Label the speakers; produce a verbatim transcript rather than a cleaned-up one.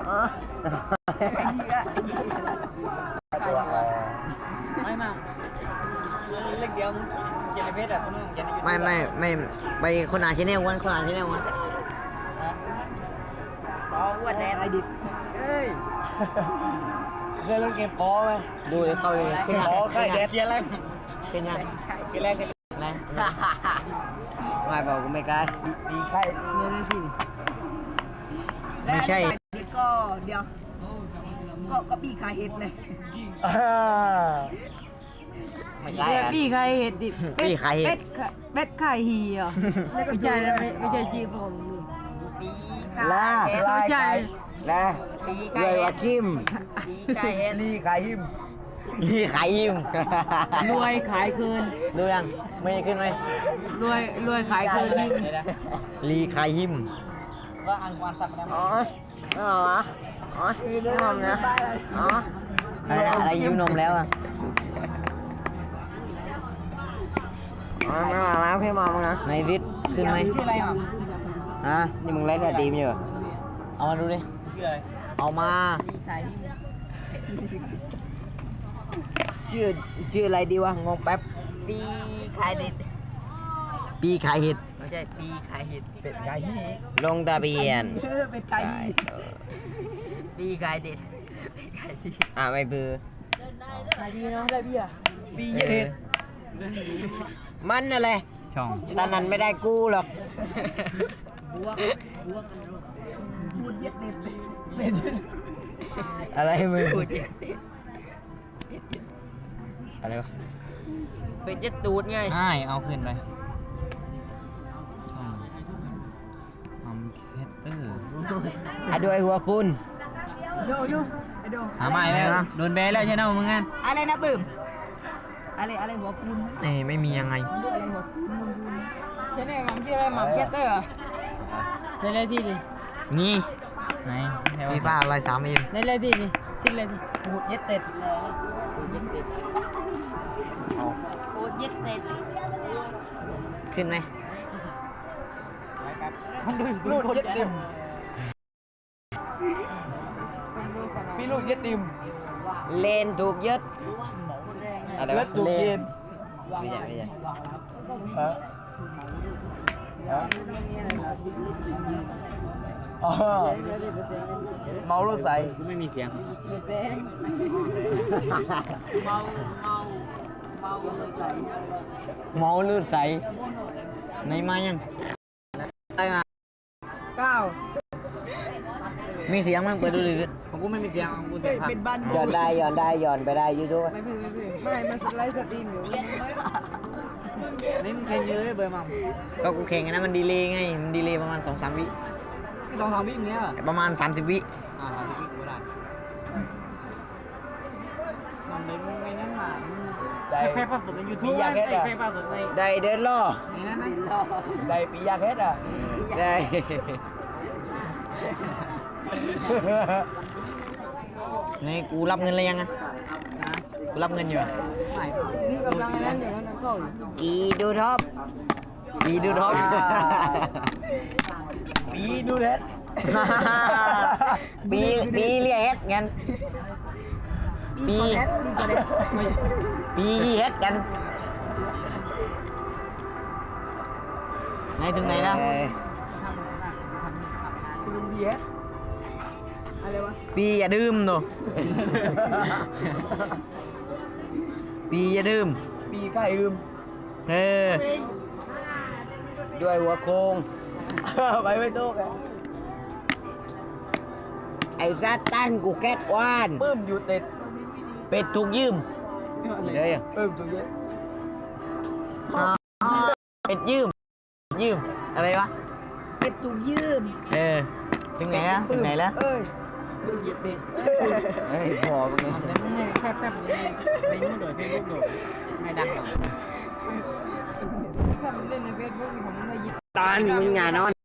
Speaker 1: ออไม่มาเล็กเดียวมึงเจนเพชรอ่ะมึงเจนไม่ไม่ไม่ไปคนอ่านชแนลวันคนอ่านชแนลวัน
Speaker 2: ปอวัวแดงไอดิบ
Speaker 1: เฮ้ยเคยเล่นเกมปอไหมดูเลยเข้าเลยเกมปอใครเด็ดเกียร์อะไรเกียร์ยังเกียร์แรกเกียร์อะไรไม่บอกกูไม่กล้าดีใครเนี่ยที่ไม่ใช่
Speaker 2: ก็เดี๋ยวก็ก็ปีขายเห็ดเลย
Speaker 1: ไม่ใช่
Speaker 3: ปีขายเห็ดดิ
Speaker 1: ปีขายเห็ด
Speaker 3: เป็ดขายฮีอ่ะไม่ใช่ไม่ใช่จีบผม
Speaker 2: ปีขายเห็ด
Speaker 1: ไม่ใช่แล้วเลยว่าคิม
Speaker 2: ปีขายเห็ด
Speaker 1: ลีขายหิมลีขายหิม
Speaker 3: รวยขายคืน
Speaker 1: รวยยังไม่ขึ้นไหม
Speaker 3: รวยรวยขายคืนหิม
Speaker 1: ลีขายหิมว่าอันความสับได้อ๋ออ๋ออ๋อยืนนมนะอ๋ออะไรอะไรยืนนมแล้วอ่ะอ๋อไม่มาแล้วพี่มอมนะในทิศขึ้นไหมชื่ออะไรอ่ะฮะนี่มึงไล่สตรีมอยู่เอามาดูดิชื่ออะไรเอามาชื่อชื่ออะไรดีวะงงแป๊บ
Speaker 2: ปีขายเห็ด
Speaker 1: ปีขายเห็ด
Speaker 2: ไม่ใช่ปีขายเห็ด
Speaker 1: เป็ดขายเห็ดลงทะเบียน
Speaker 2: เป็ดขายเห็ดปีขายเด็ดปีขายดี
Speaker 1: อ่าไม่เบื่อ
Speaker 3: ขายดีเนาะได้เบี้ย
Speaker 1: ปีเห็ดมันอะไรช่องตอนนั้นไม่ได้กู้หรอก
Speaker 2: พูดเย็ดเด็ด
Speaker 1: อะไรมึง
Speaker 2: พูดเย็ดเด็ด
Speaker 1: อะไรวะ
Speaker 2: เป็นเย็ดตูดไง
Speaker 1: ใช่เอาขึ้นไปอัมเคเตอร์อะด้วยหัวคุณ
Speaker 2: ดูดูไอดู
Speaker 1: หาใหม่แล้วโดนแบนแล้วใช่ไหมมึงงั้น
Speaker 2: อะไรนะบึ้มอะไรอะไรหัวคุณ
Speaker 1: เอ้ไม่มียังไง
Speaker 2: อะไรหัวคุณมึงดู
Speaker 3: ใช่ไหมมัมชื่ออะไรมัมแคตเตอร์ในเลขที่ดิ
Speaker 1: นี่ไหนฟีฟ่าอะไรสามเอ็ม
Speaker 3: ในเลขที่ดิชื่อเลขที่
Speaker 1: พูดเย็ดเต็ด
Speaker 2: พูดเย็ดเต็ดพูดเย็ดเต็ด
Speaker 1: ขึ้นไหม
Speaker 3: ลูดเย็ดดิม
Speaker 1: พี่ลูดเย็ดดิมเลนถูกยึดอะไรวะถูกเย็นไม่ใช่ไม่ใช่ฮะอ๋อเมารถใส่ไม่มีเสียง
Speaker 2: เมาเมาเมาเลือดใส
Speaker 1: เมาเลือดใสในมายัง
Speaker 3: ได้มาเก้า
Speaker 1: มีเสียงมั้งเปิดดูดิผมกูไม่มีเสียงกูเสียงพักย้อนได้ย้อนได้ย้อนไปได้ยูทูบ
Speaker 3: ไม่พี่ไม่พี่ไม่มันสไลด์สตรีมอยู่นี่มันแข่งเยอะเบอร์มัม
Speaker 1: ก็กูแข่งกันนะมันดีเลย์ไงมันดีเลย์ประมาณสองสามวิ
Speaker 3: สองสามวิเนี้ย
Speaker 1: ประมาณสามสิบวิ
Speaker 3: อ่าสามสิบวิกูได้มันเลยไม่นั่นหนาได้แค่ภาพสดในยูทูบได้แค่ภาพสดใน
Speaker 1: ได้เดินล่อ
Speaker 3: นี่นั่นไหม
Speaker 1: ได้ปียาเฮ็ดอ่ะได้นี่กูรับเงินเลยยังไงกูรับเงินอยู่
Speaker 3: นี่กำลังนั่นอยู่นั่นเข้า
Speaker 1: กีดูท็อปกีดูท็อปปีดูเฮ็ดปีปีเรียกเฮ็ดงั้นปีปีเฮ็ดกันไหนถึงไหนแล้ว
Speaker 2: อะไรวะ
Speaker 1: ปีอย่าดื่มหนูปีอย่าดื่มปีใกล้ดื่มเออด้วยหัวโค้งไปไม่ถูกไอ้ซาตันกูแก๊สวานปื้มอยู่ติดเป็ดถูกยืมเลยปื้มถูกยืมเป็ดยืมยืมอะไรวะ
Speaker 2: เป็ดถูกยืม
Speaker 1: เออถึงไหนแล้วถึงไหนแล้ว
Speaker 2: เอ้ยดูเหยียบเป็ด
Speaker 1: เฮ้ยพอมึง
Speaker 3: เนี่ยแป๊บแป๊บเลยไปนู่นโดยเฟซบุ๊กโดยไม่ดังหรอกถ้ามันเล่นในเฟซบุ๊กนี่ผมไม่ยิน
Speaker 1: ตอนมึงงานนอน